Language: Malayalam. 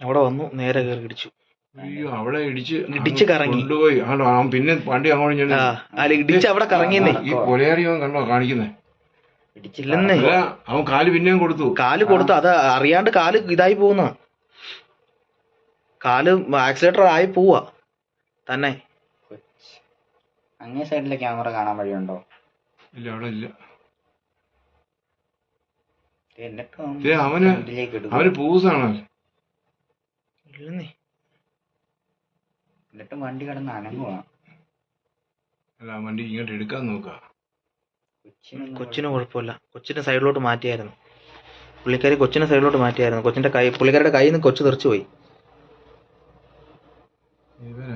അവിടെ വന്നു നേരെ കയറി ഇടിച്ചു. അയ്യോ അവിടെ ഇടിച്ച് കറങ്ങി കൊണ്ടുപോയി. അവൻ പിന്നെ വണ്ടി അങ്ങോട്ട് അല്ല ഇടിച്ച് അവിടെ കറങ്ങിയെന്നേ. ഈ കൊലയാളിയോ കണ്ടോ കാണിക്കുന്നേ? ഇടിച്ചില്ലെന്നേ. അവൻ കാല് പിന്നെയും കൊടുത്തു. അത് അറിയാണ്ട് കാല് ഇതായി പോകുന്ന, കാല് ആക്സിലേറ്റർ ആയി പോവാ തന്നെ. അങ്ങേ സൈഡിലെ ക്യാമറ കാണാൻ വഴിയുണ്ടോ? ഇല്ല, അവിടെ ഇല്ല. എന്നിട്ടും അവന് പൂസാണോ? ഇല്ലെന്നേ. എന്നിട്ടും വണ്ടി കിടന്ന് അനങ്ങുവാ. അല്ല, വണ്ടി ഇങ്ങോട്ട് എടുക്കാൻ നോക്കുക. കൊച്ചിന് കുഴപ്പമില്ല. കൊച്ചിന്റെ സൈഡിലോട്ട് മാറ്റിയായിരുന്നു പുള്ളിക്കാരി. കൊച്ചിന്റെ സൈഡിലോട്ട് മാറ്റിയായിരുന്നു. പുള്ളിക്കാരുടെ കയ്യിൽ നിന്ന് കൊച്ചു തെറിച്ചു പോയി. ഇവൻ